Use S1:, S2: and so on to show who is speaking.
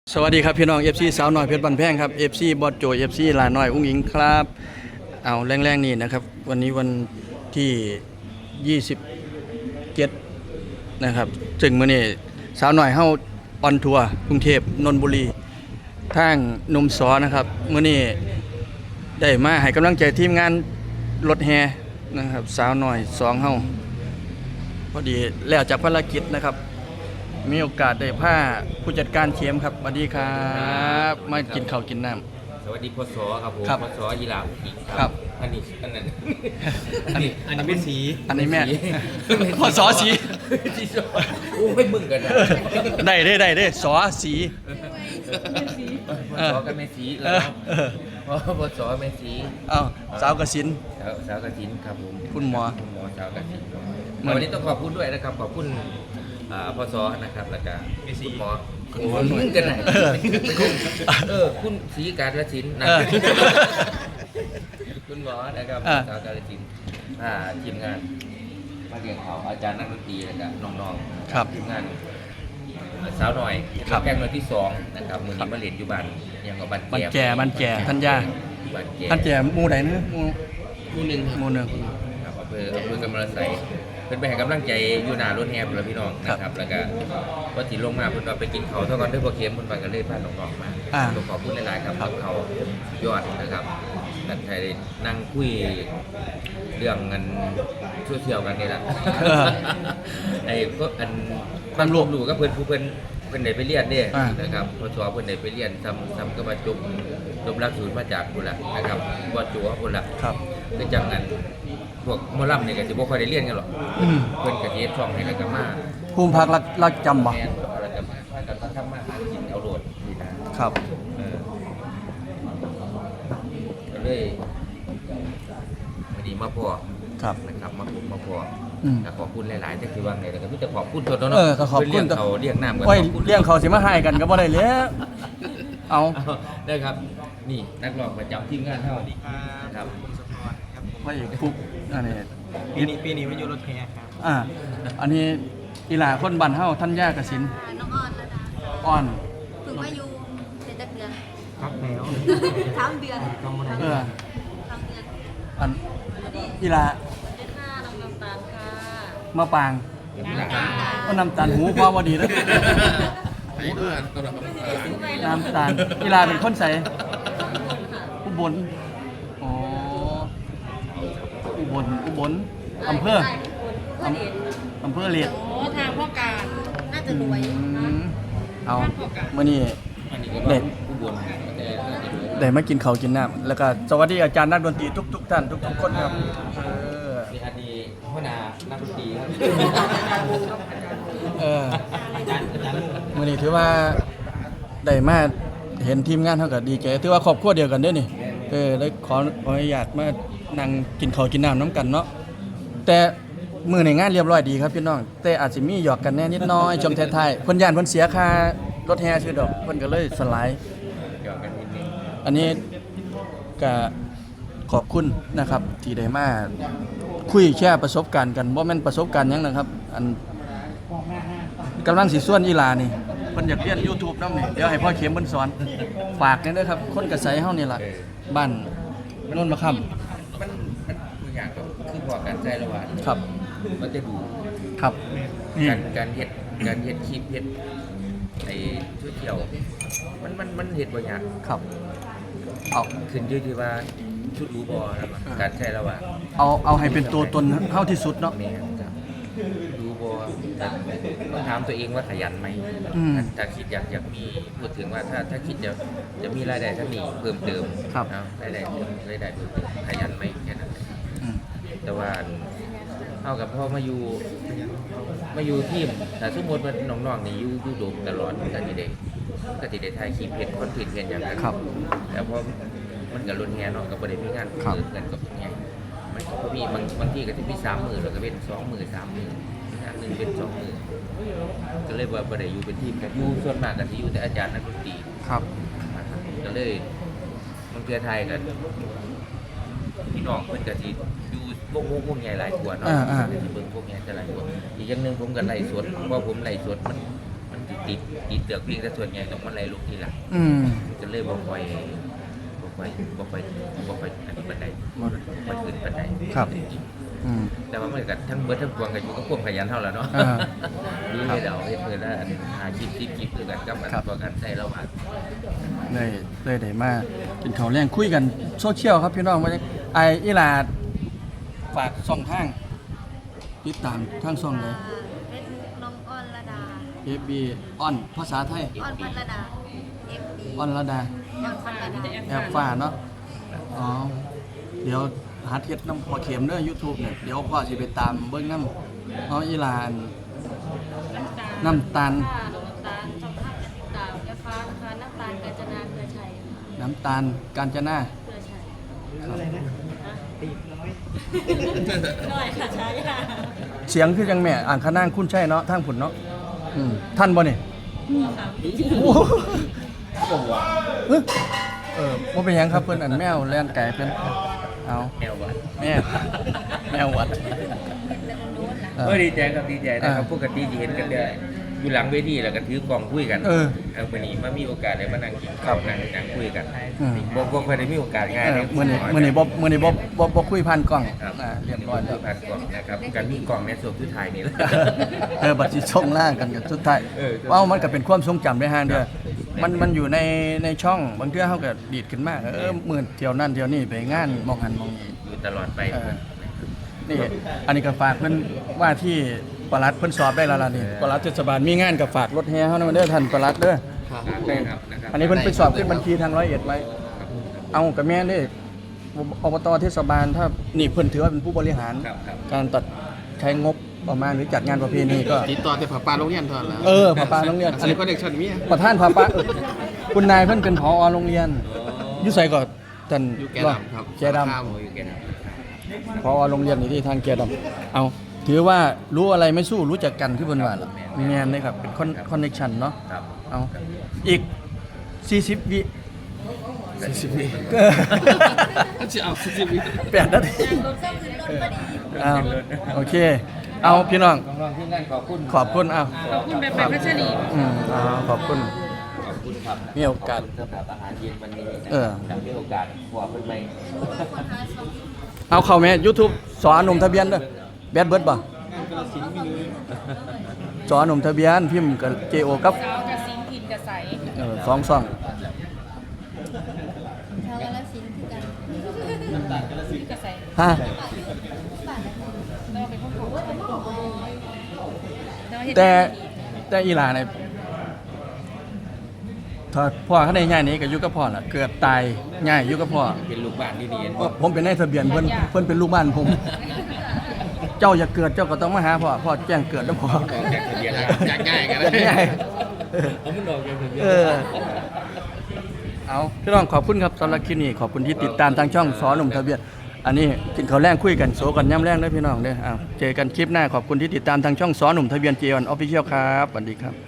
S1: สวัสดีครับพี่น้อง FC สาวน้อยเพชรบันแพงครับ FC บอสโจ FC ลาน้อยอุ้งอิงครับเอาแรงๆนี่นะครับวันนี้วันที่27นะครับซึ่งมื้อนี้สาวน้อยเฮาออนทัวร์กรุงเทพนนทบุรีทางหนุ่มสอนะครับมื้อนี้ได้มาให้กำลังใจทีมงานรถแฮนะครับสาวน้อย2เฮาพอดีแล้วจากภารกิจนะครับมีโอกาสได้พาผู้จัดการเข็มครับสวัสดีครับมากินข้าวกินน้ำ
S2: สวัสดีพศครับผม
S1: ครับ
S2: พศยีราฟอีก
S1: ครับ
S2: อันนี้อันนั้น
S1: อันนี้
S2: เป็นสี
S1: อันนี้แม่พอสอสี
S2: สีสอโอ้ไม่มึงกันนะ
S1: ได้สอสี
S2: พศกับแม่สี
S1: เอ
S2: แล้
S1: อ
S2: ว
S1: เออ
S2: พศแม่สี
S1: เอ้าสาวกสิน
S2: สาวกฐินครับผม
S1: คุณหมอ
S2: สาวกฐิน
S1: มัน
S2: วันนี้ต้องขอบคุณด้วยนะครับขอบคุณพศนะครับแล้วก็คุณหมอ
S1: โอ้
S2: มึงกันไหน
S1: เออ
S2: คุณศรีการละศิลป์นะ
S1: เออ
S2: คุณหมอนะครับ
S1: อ่า
S2: สาวการศิลป์ทีมงานมาเรียนเขาอาจารย์นักดนตรีแล้วก็น้องๆ
S1: ครับ
S2: ทีมงานสาวหน่อย
S1: ครับ
S2: แกงหน่วยที่2นะครับมือนี้มาเรียนอยู่บ้านยังกับบ้าน
S1: มัน
S2: แก่
S1: แก่ท่านย่า
S2: บ้านแก่
S1: ท่านแก่หมู่ใดเนอะหมู่
S2: คู่หนึ่ง
S1: หมู่หนึ่ง
S2: ครับอำเภอกำมะละไสเพิ่นไปให้กำลังใจอยู่หน้ารถแฮมแล้วพี่น้องนะครับแล้วก็พอสิลงมาเพิ่นก็ไปกินเขาวเท่ากันด้วยบ่เค็มเพิ่นไปก็เลยพาน้องๆมา
S1: อ่า
S2: ต้องขอบคุณหลายๆครับกับเขายอดนะครับนักไทยได้นั่งคุยเรื่องเงินโซเชียลกันนี่แหละ
S1: เออ
S2: ไอ้ก็อันความรู้ก็เพิ่นได้ไปเรียนเด้
S1: อ่า
S2: นะครับพอสอบเพิ่นได้ไปเรียนซ้ำก็มาจบหลักสูตรมาจากพุ่นละนะครับบ่จัวพุ่นละ
S1: ครับ
S2: คือจังนั้นพวกหมอลำนี่ก็สิบ่ค่อยได้เรียนกันหรอก
S1: อืม
S2: เพิ่นก็สิเฮ็ดช่องให้แล้วก็มา
S1: ภูมิพักรักจำบ่
S2: แม่นแล้วก็มากันทำมาหากินเอาโลดนี่นะครับ ก็เลยวันนี้มาพอ
S1: ครับ
S2: นะครับมาพอ
S1: อืม
S2: ขอบคุณหลายๆที่คือว่าไงแล้วก็มีแต่ขอบคุณตัวเนาะ
S1: เออก็ขอบคุณ
S2: เพิ่นเลี้ยงเขาเลี้ยงน้ำกัน
S1: โอ้ย
S2: ขอบคุณ
S1: เลี้ยงเขาสิมาให้กันก็บ่ได้แล้วเอา
S2: เอาได้ครับ นี่นักร้องประจำทีมงานเท่านี้นะครับ
S1: ไว้ฟุกอันนี้
S3: ปีนี้ไม่อยู่รถแห่ครับ
S1: อันนี้อีหลาคนบ้านเฮาท่านย่ากสิน
S4: น้องออนแล้วนะ
S1: อ่อน
S4: ฝึกมาอยู่เป็นจักเดือน
S3: ครับแล้ว
S4: ทั้งเดือน
S1: เออ
S4: ทั้งเดือน
S1: อันอีหลา
S4: เป็นค่าน้องน้ำตาลค่ะ
S1: มาปาง
S4: น้ำตาล
S1: ก็น้ำตาลหูพอบ่ดีแล้วน้ำตาลอีหลาเป็นคนใสอุบลอ๋ออุบลอำเภออำเภอเลียด
S4: โอ้ทางพ่อการน่าจะรวยนะ
S1: เอามื้อนี้
S2: อันนี้ก็
S1: เด็ด
S2: ผู้บนแต่น่าจะรู้
S1: ได้มากินข้าวกินน้ำแล้วก็สวัสดีอาจารย์นักดนตรีทุกท่านทุกคนครับ
S2: มีอดีตหัวหน้านักดนตรีครับ
S1: เออมื้อนี้ถือว่าได้มาเห็นทีมงานเฮาก็ดีใจถือว่าครอบครัวเดียวกันเด้อนี่เลยขออนุญาตมานั่งกินข้าวกินน้ำน้ำกันเนาะแต่มื้อในงานเรียบร้อยดีครับพี่น้องแต่อาจสิมีหยอกกันแน่นิดหน้อยช่วงท้ายๆเพิ่นย่านเพิ่นเสียค่ารถแห่ชื่อดอกเพิ่นก็เลยสลาย
S2: เกี่ยวกันนิดนึง
S1: อันนี้ก็ขอบคุณนะครับที่ได้มาคุยแชร์ประสบการณ์กันบ่แม่นประสบการณ์หยังนะครับ อันกำลังสิส่วนอีหลานี่เพิ่นอยากเรียน YouTube นำนี่เดี๋ยวให้พ่อเข็มเพิ่นสอนฝากกันเด้อครับ คนกระไสเฮานี่ล่ะบ้านโน่นมะค่ำ
S2: มันตัวอย่างก็คือพอการใจระหว่าง
S1: ครับ
S2: มันจะดู
S1: ครับนี่
S2: การเฮ็ดคลิปเฮ็ดไอ้ช่วยเที่ยวมันเฮ็ดบ่ยาก
S1: ครับเอา
S2: ขึ้นอยู่ที่ว่าชุดรู้บ่แล้วก็การใช้ระหว่าง
S1: เอาให้เป็นตัวตนเฮาที่สุดเนาะ
S2: แม่นครับรู้บ่ต้องถามตัวเองว่าขยันไหม
S1: อืม
S2: ถ้าคิดอยากมีพูดถึงว่าถ้าคิดจะมีรายได้เท่านี้เพิ่มเติม
S1: ครับ
S2: เอารายได้เพิ่มเติมขยันไหมแค่นั้นเอง
S1: อืม
S2: แต่ว่าเอากับพ่อมาอยู่ทีมแต่สมมติว่าน้องๆนี่อยู่โดมตลอดก็สิได้ถ่ายคลิปเฮ็ดคอนเทนต์เฮ็ดหยังกัน
S1: ครับ
S2: แล้วพอมันก็ลุ้นแฮเนาะก็บ่ได้มีงาน
S1: ครับ
S2: เงินกับแฮมันก็มีบางที่ก็สิมี3มื้อแล้วก็เป็น2มื้อ3มื้ออีกอันหนึงเป็น2มื้อก็เลยว่าบ่ได้อยู่เป็นทีมกันอยู่ส่วนมากก็สิอยู่แต่อาจารย์นักดนตรี
S1: ครับ
S2: นะครับก็เลยมันเพื่อไทยกันพี่น้องเพิ่นก็สิอยู่วงใหญ่หลายกว่าเนาะ
S1: อ่า
S2: ก็สิเบิ่งพวกใหญ่จะหลายกว่าอีกอย่างหนึงผมก็ไล่สดเพราะผมไล่สดมันสิติดติดเตือกเพียงแต่ส่วนใหญ่ต้องมาไล่ลูกทีหลัง
S1: อืม
S2: ก็เลยบ่ค่อยอันนี้บันไดบ่ค่อยขึ้นบันได
S1: ครับ อืม
S2: แต่ว่ามันก็ทั้งเบิดทั้งปวงก็อยู่กับความขยันเท่าแล้วเนาะ
S1: อ่า
S2: นี่ให้เราเฮ็ดเพิ่นแล้วหาคลิปคือกันกับอัน
S1: ครับ
S2: ตัวกันใช้ระหว่าง
S1: เลยได้มากินข้าวแรงคุยกันโซเชียลครับพี่น้องว่าไออีหลาดฝากช่องทางติดตามทางช่องเลย
S4: เฟซบุ๊กน้องอ้อนระดา
S1: FB ออนภาษาไทย
S4: อ้อนพัทรดา FB
S1: ออนระดา
S4: อ้อนพัทรดา
S1: แอบฟ้าเนาะอ๋อเดี๋ยวหาเทียดน้ำพอเข็มเด้อ YouTube เนี่ยเดี๋ยวพ่อสิไปตามเบิ่งน้ำเอาอีหลานน้ำตาล
S4: ค่ะน้ำตาลช่องภาพติดตามแอฟฟ้านะคะน้ำตาลกาญจนาเครือชัย
S1: น้ำตาลกาญจนา
S4: เครือชัย
S3: อะไรนะตีร้อย
S4: หน่อยค่ะใช่ค่ะ
S1: เสียงคือจังแม่อ่างขนางคุณใช่เนาะทางผุนเนาะท่านบ่นี่โอ้โหว่าเป็นหยังครับเพิ่นอันแมวแล่นไก่เพิ่นเอา
S2: แนววัด
S1: แมววัดเออ
S2: ดีใจครับดีใจนะครับ
S1: อ่า
S2: ปกติที่เห็นกันเด้ออยู่หลังเวทีแล้วก็ถือกล่องคุยกัน
S1: เออ
S2: วันนี้มามีโอกาสได้มานั่งกิน
S1: ครั
S2: ข้าว
S1: บ
S2: นั่งคุยกัน
S1: อืม
S2: บ่เคยได้มีโอกาสง่ายเลย
S1: มื้อนี้บ่คุยผ่านกล้อง
S2: ครับ
S1: เรียบร้อยแล้ว
S2: ผ่านกล่องนะครับการมีกล่องในส่วนที่ถ่ายนี่แหละ
S1: บัดสิส่งล่างกันกับสุดท้าย
S2: เออ
S1: เอ้ามันก็เป็นความทรงจำได้ห่างเด้อมันอยู่ในช่องบางเทื่อเฮาก็ดีดขึ้นมามื้อเที่ยวนั่นเที่ยวนี่ไปงานมองหันมองนี่
S2: อยู่ตลอดไป
S1: เออ นี่อันนี้ก็ฝากเพิ่นว่าที่ปลัดเพิ่นสอบได้แล้วล่ะนี่ปลัดเทศบาลมีงานก็ฝากรถแห่เฮานำเด้อท่านปลัดเด้อ
S2: ได้ครับนะครับ
S1: อันนี้เพิ่นไปสอบขึ้นบัญชีทาง101ไว้ เอากับแม่นเด้อบตเทศบาลถ้านี่เพิ่นถือว่าเป็นผู้บริหาร
S2: ครับครับ
S1: การตัดใช้งบประมาณหรือจัดงานประเพณีก็
S3: ติดต่อแต่ผาปลาโรงเรียนเท่านั้นแหล้ว
S1: ผาปาโรงเรียน
S3: อันนี้ก็เด็กชนมี
S1: ประธานผาปาคุณนายเพิ่นเป็นผอโรงเรียนอยู่ไสก็ท่าน
S3: อยู่แกดำครับ
S1: แกดำ
S3: ข้าว
S2: โอ้ยแกนะ
S1: พอโรงเรียนอยู่ที่ทางเกียรติเอาถือว่ารู้อะไรไม่สู้รู้จักกันที่บนว่าล่ะมีงานเลยครับเป็นคอนเนคชันเนาะ
S2: ครับ
S1: เอาอีก 40 วิ
S3: 40วิจะเอา40วิ
S1: 8 นาที
S4: รถเส้นคือรถพอดี
S1: เอาโอเค เอาพี่น้อง
S2: น้องๆที่งานขอบคุณ
S1: ขอบคุณเอา
S4: ขอบคุณแบบพัชรี
S1: ขอบคุณ
S2: ขอบคุณครับ
S1: มีโอกาส
S2: สำหรับอาหารเย็นวันนี้นะ
S1: เออ
S2: ครับมีโอกาสบอกเพิ่นไป
S1: เอาเข้าแม่ YouTube สอนหนุ่มทะเบียนเด้อแบดเบิร์ดบ่สอนหนุ่มทะเบียนพิมพ์กับ JO กับ
S4: สาวกับสิงห์ถิ่นกับใส
S1: สองซ่อง
S4: ชาวกาฬสินธุ์คือกันกับใส
S1: ฮะ
S4: เราเป็นคนของ
S1: แต่อีหลาเนี่ยถ้าพ่อเขาได้ง่ายนี้ก็อยู่กับพ่อล่ะเกิดตายง่ายอยู่กับพ่อ
S2: เป็นลูกบ้านที่ดีเห็น
S1: ผมเป็นนายทะเบียนเพิ่นเป็นลูกบ้านผม เจ้าอย่าเกิดเจ้าก็ต้องมาหาพ่อแจ้งเกิดแล้วพ่อ
S2: ออกจากทะเบียนแล้ว
S3: อยากง่ายกัน
S1: อยากง่าย
S2: ผมมันออกจากทะเบียน
S1: เออเอาพี่น้องขอบคุณครับสำหรับคลิปนี้ขอบคุณที่ติดตามทางช่องสอนหนุ่มทะเบียน อันนี้กินข้าวแรงคุยกันโซกันย่ำแรงเด้อพี่น้องเด้อเจอกันคลิปหน้าขอบคุณที่ติดตามทางช่องสอนหนุ่มทะเบียน J1 Official ครับสวัสดีครับ